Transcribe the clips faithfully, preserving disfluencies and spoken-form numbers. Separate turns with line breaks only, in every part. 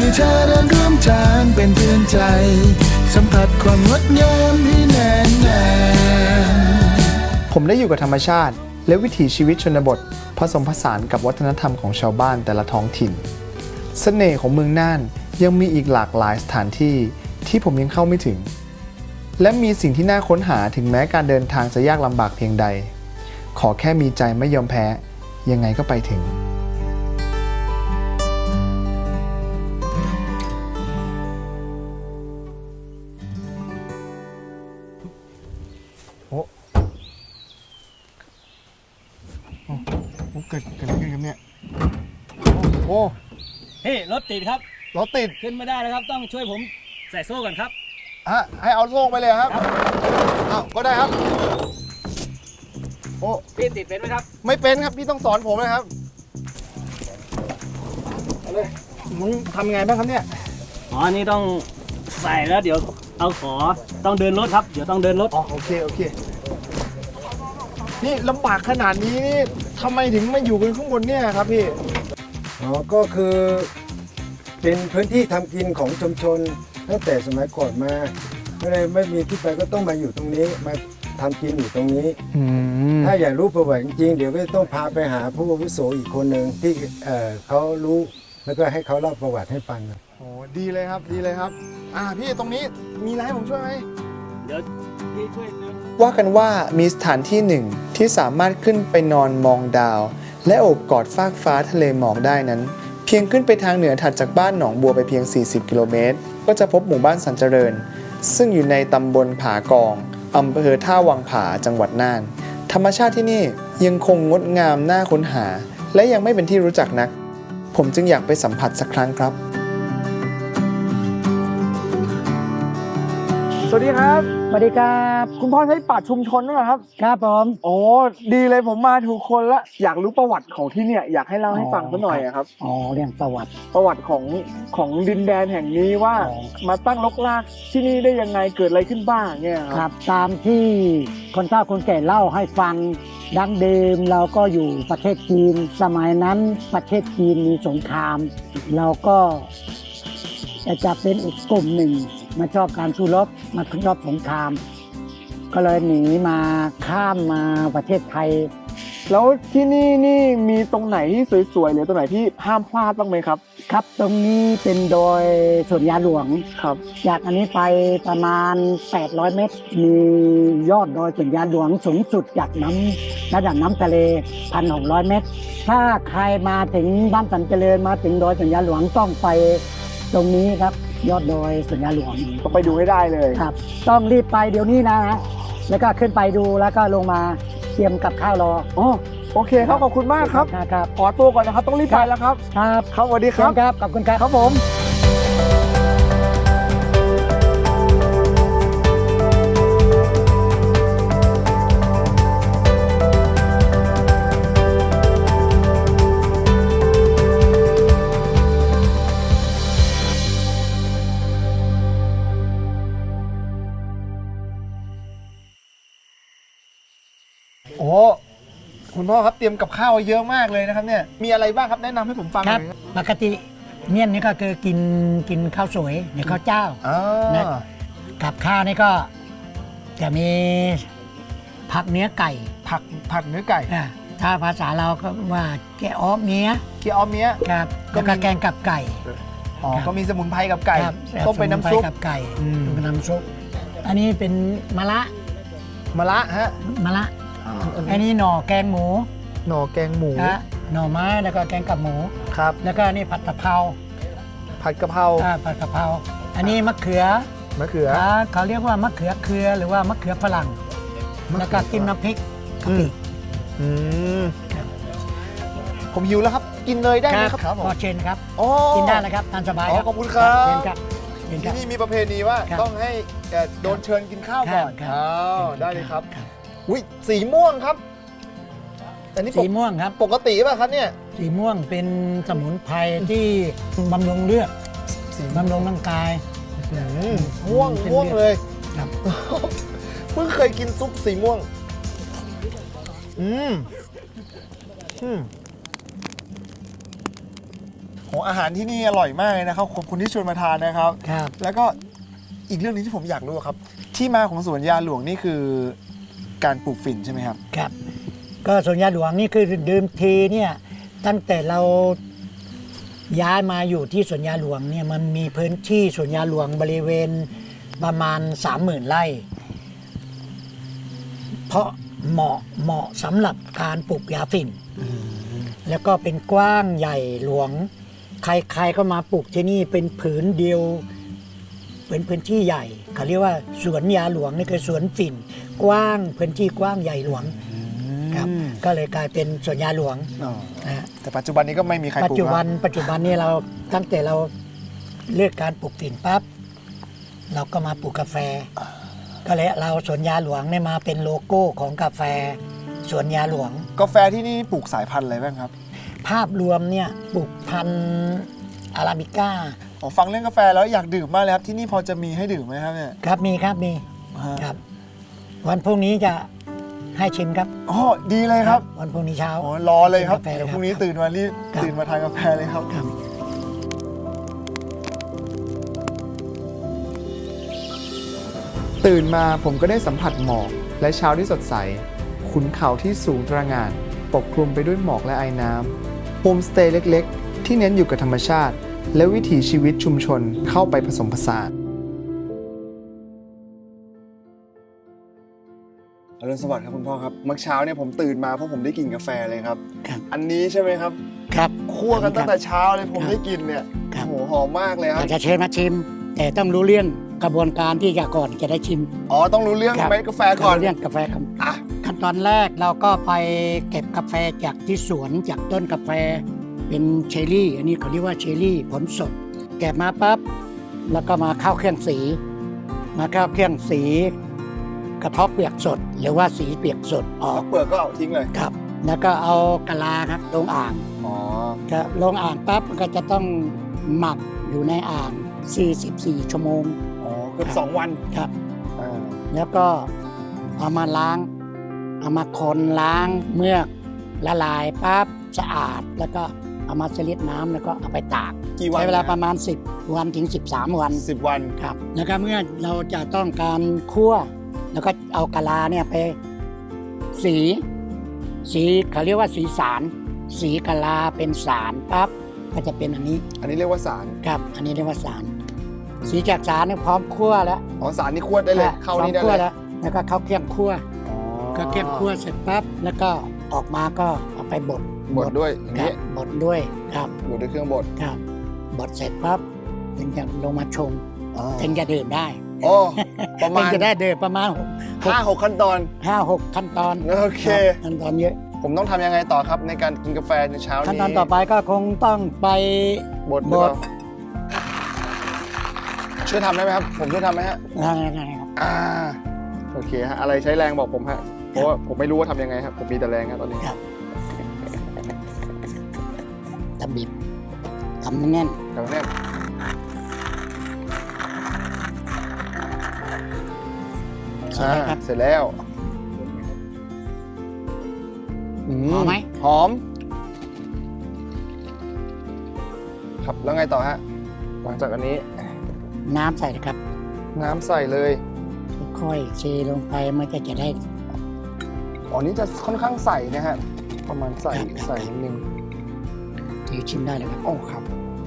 เธอเดินร่วมทางเป็นเพื่อนใจสัมผัสความงดงามที่แน่นแน่
ผมได้อยู่กับธรรมชาติและวิถีชีวิตชนบทผสมผสานกับวัฒนธรรมของชาวบ้านแต่ละท้องถิ่นเสน่ห์ของเมืองน่านยังมีอีกหลากหลายสถานที่ที่ผมยังเข้าไม่ถึงและมีสิ่งที่น่าค้นหาถึงแม้การเดินทางจะยากลำบากเพียงใดขอแค่มีใจไม่ยอมแพ้ยังไงก็ไปถึงโอ้โอ้เกิดเกิดอะไรขึ้นครับเนี่ยโอ้
เฮ้รถติดครับ
รถติด
ขึ้นไม่ได้แล้วครับต้องช่วยผมใส่โซ่ก่อนครับ
ฮะให้เอาโซ่ไปเลยครับอ้าวก็ได้ครับโอ้
พี่ติดเป็นไหมครับ
ไม่เป็นครับพี่ต้องสอนผมนะครับเอาเลยมึงทำยังไงบ้างครับเนี่ย
อ๋อนี่ต้องใส่แล้วเดี๋ยวเอาขอต้องเดินรถครับเดี๋ยวต้องเดินรถ
อ๋อโอเคโอเคนี่ลำบากขนาดนี้นี่ทำไมถึงมาอยู่กันข้างบนเนี่ยครับพี่
อ๋อก็คือเป็นพื้นที่ทำกินของชุมชนตั้งแต่สมัยก่อนมาก็เลยไม่มีที่ไปก็ต้องมาอยู่ตรงนี้มาทำกินอยู่ตรงนี้ถ้าอยากรู้ประวัติจริงๆเดี๋ยวก็ต้องพาไปหาผู้อาวุโสอีกคนหนึ่งที่เอ่อเขารู้แล้วก็ให้เขาเล่าประวัติให้ฟัง
โอ้ดีเลยครับดีเลยครับอ่าพี่ตรงนี้มีอะไรให้ผมช่วยไหม
เดี๋ยวพี่ช่วย
ว่ากันว่ามีสถานที่หนึ่งที่สามารถขึ้นไปนอนมองดาวและโอบกอดฟากฟ้าทะเลหมอกได้นั้นเพียงขึ้นไปทางเหนือถัดจากบ้านหนองบัวไปเพียงสี่สิบกิโลเมตรก็จะพบหมู่บ้านสันเจริญซึ่งอยู่ในตำบลผากองอำเภอท่าวังผาจังหวัดน่านธรรมชาติที่นี่ยังคงงดงามน่าค้นหาและยังไม่เป็นที่รู้จักนักผมจึงอยากไปสัมผัสสักครั้งครับสวัสดีครับ
สวัสดีครับ
คุณพ่อใช้ป่าชุมชนด้วยครับ
ครับผม
โอ้ดีเลยผมมาถูกคนละอยากรู้ประวัติของที่เนี่ยอยากให้เล่าให้ฟังสักหน่อยครับ
อ๋อเรื่องประวัติ
ประวัติของของดินแดนแห่งนี้ว่ามาตั้งรกรากที่นี่ได้ยังไงเกิดอะไรขึ้นบ้างเนี่ย
ครับตามที่คนเฒ่าคนแก่เล่าให้ฟังดั้งเดิมเราก็อยู่ประเทศจีนสมัยนั้นประเทศจีนมีสงครามเราก็จะเป็นอีกกลุ่มหนึ่งมาชอบการสู้รบมาชอบสงครามก็เลยหนีมาข้ามมาประเทศไทย
แล้วที่นี่นี่มีตรงไหนที่สวยๆหรือตรงไหนที่ห้ามพลาดบ้างไหมครับ
ครับตรงนี้เป็นดอยสวนยาหลวง
ครับ
จากอันนี้ไปประมาณแปดร้อยเมตรมียอดดอยสวนยาหลวงสูงสุดจากน้ำระดับน้ำทะเล หนึ่งพันหกร้อย เมตรถ้าใครมาถึงบ้านสันเจริญมาถึงดอยสวนยาหลวงต้องไปตรงนี้ครับยอดดอยสวนยาหลวง
ต้องไปดูให้ได้เลย
ครับต้องรีบไปเดี๋ยวนี้นะฮะแล้วก็ขึ้นไปดูแล้วก็ลงมาเตรียมกับข้าวรอ
อ๋อโอเคครับขอบคุณมากครับ
ครับ
ขอตัวก่อนนะครับต้องรีบไปแล้วครับ
ครับ
ครับสวัสดีครับ
ครับขอบคุณครับ
ครับผมโอ้คุณพ่อครับเตรียมกับข้าวเยอะมากเลยนะครับเนี่ยมีอะไรบ้างครับแนะนำให้ผมฟังหน่อยครับ
ปกติเมี่ยนนี่ก็คือกินกินข้าวสวยหรือข้าวเจ้านะกับข้าวนี่ก็จะมีผักเนื้อไก่
ผักผักเนื้อไก่
ถ้าภาษาเราก็ว่าแกะอ้อมเมีย
แกะอ้อมเมีย
ครับก็แกงกับไก่
อ๋อก็มีสมุนไพรกับไก่ต้มเป็นน้ำซุป
กับไก่เป็นน้ำซุปอันนี้เป็นมะระ
มะระฮะ
มะระอันนี้หน่อแกงหมู
หน่อแกงหมู
หน่อไม้แล้วก็แกงกับหมู
ครับ
แล้วก็นี่ผัดกะเพรา
ผัดกะเพรา
ผัดกะเพราอันนี้มะเขือ
มะเขือ
เขาเรียกว่ามะเขือเครือหรือว่ามะเขือฝรั่งแล้วก็จิ้มน้ำพริกกะปิ
ผมหิวแล้วครับกินเลยได้ไหมครับ
พอเชนครับกินได้แล้วครับทานสบายครับ
ขอบคุณครับ
เชนครับ
ที่นี่มีประเพณีว่าต้องให้โดนเชิญกินข้าวก่อนได้เลยครับอุ้ยสีม่วงครับอันนี้
สีม่วงครับ
ปกติป่ะครับเนี่ย
สีม่วงเป็นสมุนไพรที่บำรุงเลือดบำรุงร่างกาย
ม่วงม่วงเลยครับเพิ่งเคยกินซุปสีม่วงอืมอืมโหอาหารที่นี่อร่อยมากเลยนะครับขอบคุณที่ชวนมาทานนะครับ
ครับ
แล้วก็อีกเรื่องหนึงที่ผมอยากรู้ครับ ที่มาของสวนยาหลวงนี่คือการปลูกฝิ่นใช่ไหมครับ
ครับ ก็สวนยาหลวงนี่คือเดิมทีเนี่ยตั้งแต่เราย้ายมาอยู่ที่สวนยาหลวงเนี่ยมันมีพื้นที่สวนยาหลวงบริเวณประมาณ สามหมื่น ไร่ เพราะเหมาะเหมาะสำหรับการปลูกยาฝิ่น แล้วก็เป็นกว้างใหญ่หลวง ใครๆก็มาปลูกที่นี่เป็นผืนเดียว เป็นพื้นที่ใหญ่เขาเรียกว่าสวนยาหลวงนี่คือสวนฝิ่น กว้างพื้นที่กว้างใหญ่หลวงครับก็เลยกลายเป็นสวนยาหลวง
อ๋อ
นะฮะ
แต่ปัจจุบันนี้ก็ไม่มีใครป
ปัจ
ลูก
จุบัน
แล้ว
ปัจจุบันนี้เราตั้งแต่เราเลือกการปลูกฝิ่นปั๊บเราก็มาปลูกกาแฟ ก็เลยเราสวนยาหลวงเนี่ยมาเป็นโลโก้ของกาแฟสวนยาหลวง
กาแฟที่นี่ปลูกสายพันธุ์อะไรบ้างครับ
ภาพรวมเนี่ยปลูกพันธุ์อาราบิก้า
อ๋อฟังเรื่องกาแฟแล้วอยากดื่มมากเลยครับที่นี่พอจะมีให้ดื่มไหมครับเนี่ย
ครับมีครับมี
ฮะ
ครับ วันพรุ่งนี้จะให้ชิมครับ
อ๋อดีเลยครับ
วันพรุ่งนี้เช้า
อ๋อรอเลยครับ
กาแฟเลย
เดี๋ยวพรุ่ง
ครับ
นี้ตื่นมารีบ
ครับ
ตื่นมาทานกาแฟเลยครับ
ครับ
ตื่นมาผมก็ได้สัมผัสหมอกและเช้าที่สดใส ขุนเขาที่สูงตระหง่าน ปกคลุมไปด้วยหมอกและไอน้ำโฮมสเตย์เล็กๆ ที่เน้นอยู่กับธรรมชาติ และวิถีชีวิตชุมชนเข้าไปผสมผสานอรุณสวัสดิ์ครับคุณพ่อครับเมื่อเช้าเนี่ยผมตื่นมาเพราะผมได้กินกาแฟเลยครับ
ครับ
อันนี้ใช่ไหมครับ
ครับ
คั่วกันตั้งแต่เช้าเลยผม
ครับ
ได้กินเนี่ย
ครับ
โอ้โหหอมมากเลยค
อ
รับ
ยากจะเชิญมาชิม แต่ต้องรู้เรื่องกระบวนการที่จะก่อนจะได้ชิม
อ๋อต้องรู้เรื่อง
ครับ
เม็ดกาแฟก่อน
รู้เรื่องกาแฟครับ
อ่ะ
ขั้นตอนแรกเราก็ไปเก็บกาแฟจากที่สวนจากต้นกาแฟเป็นเชอร์รี่ อันนี้เขาเรียกว่าเชอร์รี่ผลสดเก็บมาปั๊บแล้วก็มาเข้าเครื่องสี มาเข้าเครื่องสี กระเทบเปียกสด หรือว่าสีเปียกสดออก
เปลือกก็เอาทิ้งเลย
ครับ แล้วก็เอากะลาครับลงอ่าง
อ๋อ
ครับลงอ่างปั๊บมันก็จะต้องหมักอยู่ในอ่าง สี่สิบสี่ ชั่วโมง
อ๋อเกือบสองวัน
ครับ
อ่า
แล้วก็เอามาล้าง เอามาคนล้างเมือกละลายปั๊บสะอาด แล้วก็เอามาสลิดน้ำแล้วก็เอาไปตาก
กี่วัน
ใช้เวลาประมาณ สิบ วันถึง สิบสาม วัน
สิบวัน
ครับ แล้วก็เมื่อเราจะต้องการคั่ว แล้วก็เอากะลาเนี่ยไปสี สีเขาเรียกว่าสีสาร สีกะลาเป็นสารปั๊บก็จะเป็นอันนี้
อันนี้เรียกว่าสาร
ครับ อันนี้เรียกว่าสาร สีจากสารเนี่ยพร้อมคั่วแล้ว
อ๋อสารนี่ขวดได้เลย เข้านี่ได้
พร้อมคั่ว
เลย
แล้ว แล้วก็เข้าเครื่องคั่ว
อ๋อ
ก็เครื่องคั่วเสร็จปั๊บแล้วก็ออกมาก็เอาไปบด
บดด้วยอย่าง
ครั
นี้
บบดด้วยครับ
บดด้วยเครื่องบด
ครับบดเสร็จปั๊บถึงจะลงมาชง
อ๋อ
ถึงจะดื่มได้
โอ้ประมาณ
ถึงจะได้ดื่มประมาณหก
ห้าหกขั้นตอน
ห้าหกขั้นตอน
โอเค
รับขั้นตอนเยอะ
ผมต้องทำยังไงต่อครับในการกินกาแฟในเช้านี้
ขั้นตอนต่อไปก็คงต้องไป
บดหรือเปล่า
บด
ช่วยทำได้ไหมครับ ผมช่วยทำไหมฮะ
อะไรครับ
อ่าโอเคฮะอะไรใช้แรงบอกผมฮะเพราะว่าผมไม่รู้ว่าทำยังไงครับผมมีแต่แรงครับตอนนี้
ครับตำบิบทำแน่น
แต่ว่าเนี่ย
ใช่ไหมครับ
อ่าเสร็จแล้วอื
หอมไหม
หอม ครับแล้วไงต่อฮะหลังจากอันนี้
น้ำใส่เลยครับ
น้ำใส่เลย
ค่อยๆเทลงไปมันก็จะได้
อ๋อนี่จะค่อนข้างใส่นะฮะประมาณใส่
ครับครับ
ใส่นิดนึง
ถือชิมได้เลยครับ
โอ้ครับ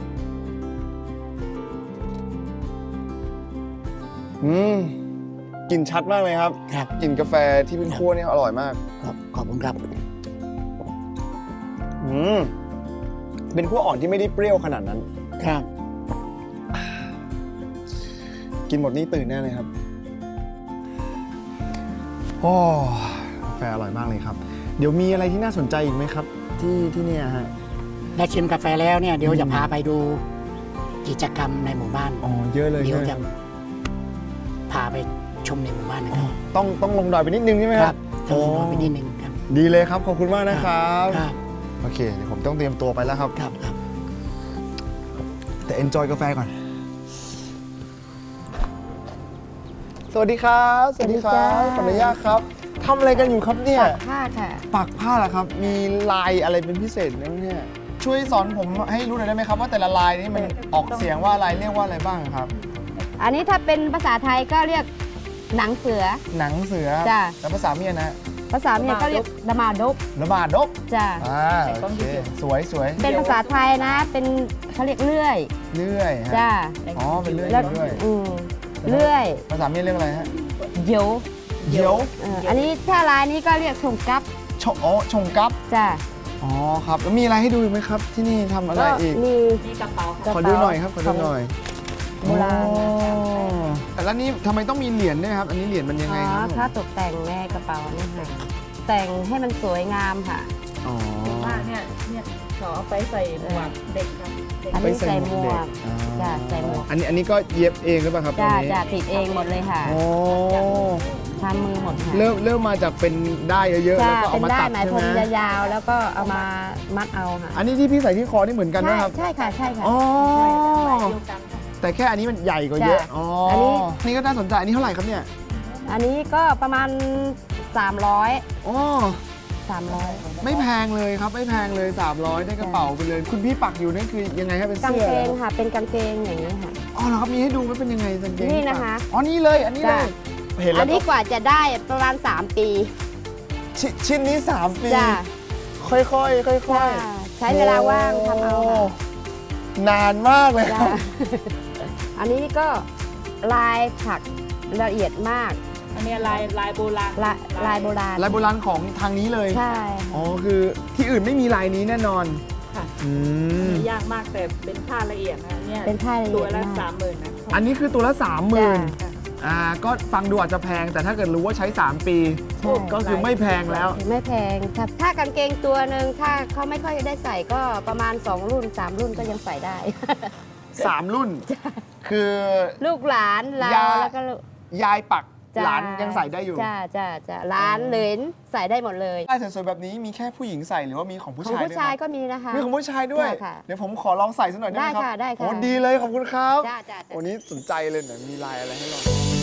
อืมกลิ่นชัดมากเลยครับ
ครับ
กลิ่นกาแฟที่เป็นคั่วนี่อร่อยมาก
ขอบขอบคุณครับ
อืมเป็นคั่วอ่อนที่ไม่ได้เปรี้ยวขนาดนั้น
ครับ
กินหมดนี่ตื่นแน่เลยครับโอ้กาแฟอร่อยมากเลยครับ เดี๋ยวมีอะไรที่น่าสนใจอีกไหมครับ ที่ที่เนี่ยฮะ
ได้ชิมกาแฟแล้วเนี่ยเดี๋ยว
อืม
จะพาไปดูกิจกรรมในหมู่บ้าน
อ๋อเยอะเลย
เดี๋ยว
ใช่
จะ
ไหม
พาไปชมในหมู่บ้านนะ
อ๋
ค
อ
รับ
ต้องต้องลงดอยไปนิดนึงใช่ไหม
ค
ค
รั
รั
บบ ต้องรอไปนิดนึงครับ
ดีเลยครับขอบคุณมากนะครับ
ครับ
โอเคเดี๋ยวผมต้องเตรียมตัวไปแล้วครับ
ครับครับ
แต่ enjoy กาแฟก่อน สวัสดีครับ สวัสดีครับขออนุญาตครับทำอะไรกันอยู่ครับเนี่ย
ผ้าค่ะ
ปักผ้าเหรอครับ มีลายอะไรเป็นพิเศษไหมเนี่ยชช่วยสอนผมให้รู้หน่อยได้ไหมครับว่าแต่ละลายนี้มันออกเสียงว่าอะไรเรียกว่าอะไรบ้างครับ
อันนี้ถ้าเป็นภาษาไทยก็เรียกหนังเสือ
หนังเสือ
จ้ะ
แต่ภาษาเมียนะ
ภาษาเมียก็เรียกดมาดก
ระบาดดก
จ้ะ
อ่าโอเคสวยสวย
เป็นภาษาไทยนะ เป็นเขาเรียกเลื่อย
เลื่อยฮะ
จ้ะ
อ๋อเป็นเลื่อย
แล้ว
เลื่อย
อืมเลื่อย
ภาษาเมียเรียกอะไรฮะ
เดี๋ยว
เดี๋ยว
เอ่ออันนี้ถ้าลายนี้ก็เรียกชงกับ
ชงอ๋อชงกับ
จ้ะ
อ๋อครับแล้วมีอะไรให้ดูอีกไหมครับ ที่นี่ทำอะไร
ก็
อีก
มี
ขอดูหน่อยครับขอดูหน่อย
โบราณ
อ๋อแต่แล้วนี่ทำไมต้องมีเหรียญด้วยครับ อันนี้เหรียญมันยัง
อ๋
ไง
อ
ครับ
ถ้าตกแต่งแม่กระเป๋านี่ค่ะแต่งให้มันสวยงามค่ะ
อ๋อ
ว่าเนี่ยเนี่ยเขาเอาไปใส่หมวกเด็กครับเด็ก
อันนี้ใส่หมวก
อ๋อ
จ้ะใส่หมวก
อันนี้อันนี้ก็เย็บเองหรือเปล่าครับ
จ้ะ
ตรงนี้
จ้ะติดเองหมดเลยค่ะ
โอ้
ทำมือหมดค่ะ
เริ่มเริ่มมาจากเป็นได้เยอะๆ
จ้ะ
แล้วก็
เป็
เอา
น
มา
ได้
ตัด
ไหมาย
ใช่
พ
ไห
ร
ม
มยาวๆแล้วก็เอามามัดเอาค่ะ
อันนี้ที่พี่ใส่ที่คอนี่เหมือนกันไหมครับ
ใช่ใช่ค่ะใช่ค่ะ
อ๋อ
เดียวกันค่ะ
แต่แค่อันนี้มันใหญ่กว่าเยอะ
จ้ะ
อ๋อ
อั
อั
นนี้
นี่ก็น่าสนใจอันนี้เท่าไหร่ครับเนี่ย
อันนี้ก็ประมาณ สามร้อย
อ๋อ
สามร้อย
ไม่แพงเลยครับไม่แพงเลยสามร้อยได้กระเป๋าไปเลย คุณพี่ปักอยู่นั่นคือยังไงครับเป็น
กาง
เสื้อ
เก
หรอง ครับ
ค่ะเป็นกางเกงอย่างนี้ค่ะ
อ๋อเหรอครับมีให้ดูไหมเป็นยังไงกางเกง
นี่
ที่ปัก
นะคะ
อ๋อนี่เลยอันนี้เล
จ้ะ
ยเห็น
อั
แล้
น
ว
นี้กว่าจะได้ประมาณ สาม ปี
ชชิ้นนี้สามปี
จ้ะ
ค่อยๆค่อยๆ
จ้ะใช้เวลาว่างทำเอาค่ะ
นานมากเลยค
จ้ะ
รับ
อันนี้ก็ลายถักละเอียดมาก
อันเนี้ยลายลายโบราณ
ลายลายโบราณ
ลายโบราณของทางนี้เลย
ใช่
อ๋อคือที่อื่นไม่มีลายนี้แน่นอน
ค่ะ
อืม
ยากมากแต่เป็นผ้าละเอียดนะเนี่ย
เป็นผ้าละเอี
ตัวย
ด
ละ
มาก
สามหมื่นนะ
อันนี้คือตัวละสามหมื่น
จ้ะ
อ่าก็ฟังดูอาจจะแพงแต่ถ้าเกิดรู้ว่าใช้ สาม ปี
ใช่
ก็คือไม่แพงแล้ว
ไม่แพงถ้าถ้ากางเกงตัวหนึ่งถ้าเขาไม่ค่อยได้ใส่ก็ประมาณ สอง รุ่น สาม รุ่นก็ยังใส่ได้
สาม รุ่น คือ
ลูกหลานเรา
ยา
แล้วก็ลูก
ยายปัก
จ้ะ
หลานยังใส่ได้อยู่
จ้าจ้าจ้าหลานเหลนใส่ได้หมดเลย
ลายสวยๆแบบนี้มีแค่ผู้หญิงใส่หรือว่ามีของผู้
ของ
ชาย
ผู้
ด้วย
ชาย
ครับ
ก็มีนะคะ
มีของผู้ชายด้วย
ได้ค่ะ
เดี๋ยวผมขอลองใส่สักหน่อยได้ไหมครับ
ได้ค่ะได้ค่ะ
โอ้ดีเลยขอบคุณครับ
จ้าจ้าจ้า
วันนี้สนใจเลยหน่อยมีลายอะไรให้ลอง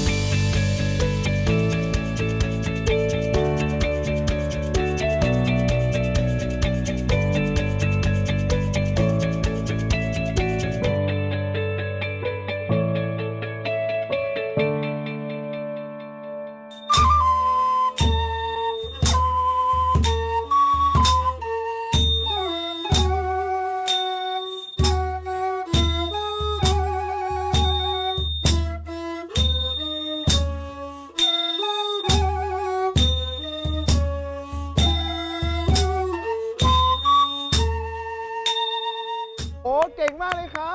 โอ้เก่งมากเลยครับ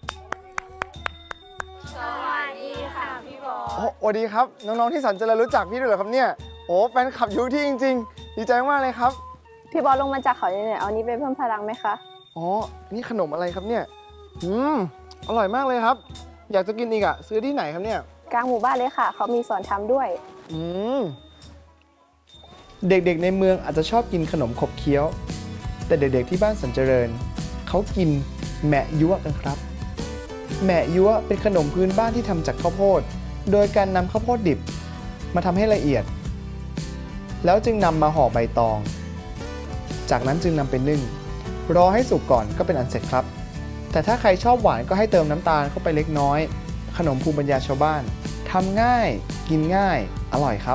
สวัสดีค่ะพี่บอ
โอ้สวัสดีครับ น้อง ๆ ที่สันเจริญรู้จักพี่ด้วยเหรอครับเนี่ย โอ้แฟนคลับอยุที่จริง ๆ ดีใจมากเลยครับ
พี่บอสลงมาจากเขาเนี่ยเอาอันนี้ไปเพิ่มพลังไหมคะ
อ๋อ นี่ขนมอะไรครับเนี่ย อืม อร่อยมากเลยครับ อยากจะกินอีกอะซื้อที่ไหนครับเนี่ย
กลางหมู่บ้านเลยค่ะ เขามีสอนทำด้วย
อืม เด็กๆในเมืองอาจจะชอบกินขนมขบเคี้ยว แต่เด็กๆที่บ้านสันเจริญ เขากินแหมะยั่วกันครับ แหมะยั่วเป็นขนมพื้นบ้านที่ทำจากข้าวโพด โดยการนำข้าวโพดดิบ มาทำให้ละเอียด แล้วจึงนำมาห่อใบตอง จากนั้นจึงนำไปนึ่ง รอให้สุกก่อนก็เป็นอันเสร็จครับ แต่ถ้าใครชอบหวานก็ให้เติมน้ำตาลเข้าไปเล็กน้อย ขนมภูมิปัญญาชาวบ้านทำง่าย กินง่าย อร่อยครับ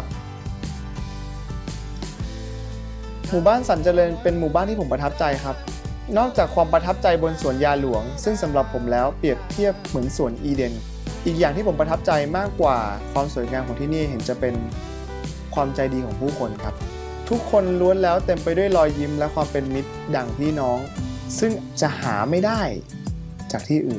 หมู่บ้านสันเจริญเป็นหมู่บ้านที่ผมประทับใจครับ นอกจากความประทับใจบนสวนยาหลวง ซึ่งสำหรับผมแล้วเปรียบเทียบเหมือนสวนอีเดน อีกอย่างที่ผมประทับใจมากกว่าความสวยงามของที่นี่เห็นจะเป็นความใจดีของผู้คนครับ ทุกคนล้วนแล้วเต็มไปด้วยรอยยิ้มและความเป็นมิตรดั่งพี่น้อง ซึ่งจะหาไม่ได้จากที่อื่น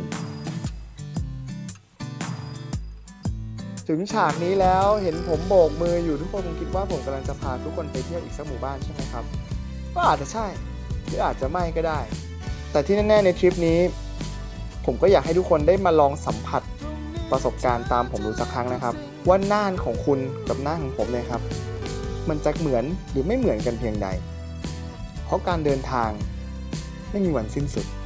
ถึงฉากนี้แล้วเห็นผมโบกมืออยู่ทุกคนคงคิดว่าผมกำลังจะพาทุกคนไปเที่ยวอีกสักหมู่บ้านใช่ไหมครับก็อาจจะใช่หรืออาจจะไม่ก็ได้ แต่ที่แน่ๆในทริปนี้ ผมก็อยากให้ทุกคนได้มาลองสัมผัสประสบการณ์ตามผมดูสักครั้งนะครับ ว่าน่านของคุณกับน่านของผมเนี่ยครับ มันจะเหมือนหรือไม่เหมือนกันเพียงใด เพราะการเดินทางไม่มีวันสิ้นสุด